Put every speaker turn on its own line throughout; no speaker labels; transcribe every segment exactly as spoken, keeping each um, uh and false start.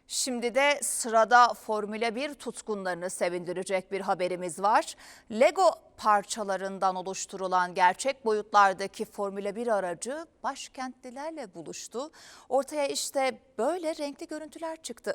Şimdi de sırada Formula bir tutkunlarını sevindirecek bir haberimiz var. Lego parçalarından oluşturulan gerçek boyutlardaki Formula bir aracı başkentlilerle buluştu. Ortaya işte böyle renkli görüntüler çıktı.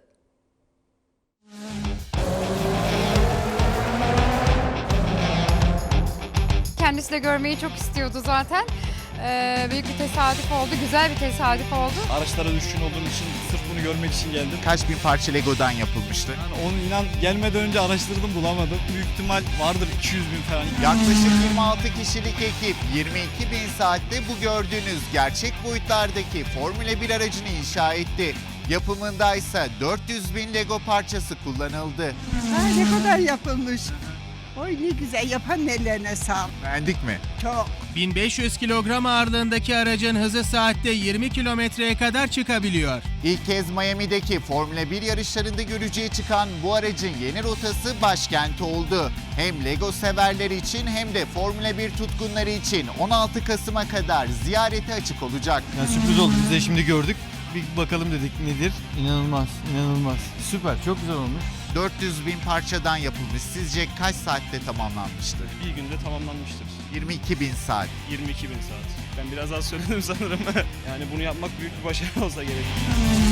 Kendisi de görmeyi çok istiyordu zaten. Ee, büyük bir tesadüf oldu, güzel bir tesadüf oldu.
Araçlara düşkün olduğum için sırf bunu görmek için geldim.
Kaç bin parça Lego'dan yapılmıştı?
Yani onu inan gelmeden önce araştırdım, bulamadım. Büyük ihtimal vardır iki yüz bin falan.
Yaklaşık yirmi altı kişilik ekip yirmi iki bin saatte bu gördüğünüz gerçek boyutlardaki Formula bir aracını inşa etti. Yapımında ise dört yüz bin Lego parçası kullanıldı.
Ha, ne kadar yapılmış. Oy ne güzel, yapan ellerine sağlık.
Beğendik mi?
Çok.
bin beş yüz kilogram ağırlığındaki aracın hızı saatte yirmi kilometreye kadar çıkabiliyor.
İlk kez Miami'deki Formula bir yarışlarında görücüye çıkan bu aracın yeni rotası başkent oldu. Hem Lego severler için hem de Formula bir tutkunları için on altı Kasım'a kadar ziyarete açık olacak.
Yani sürpriz oldu. Biz de şimdi gördük. Bir bakalım dedik nedir? İnanılmaz, inanılmaz. Süper, çok güzel olmuş.
dört yüz bin parçadan yapılmış. Sizce kaç saatte tamamlanmıştır?
Bir günde tamamlanmıştır.
yirmi iki bin saat.
yirmi iki bin saat. Ben biraz az söyledim sanırım. Yani bunu yapmak büyük bir başarı olsa gerek.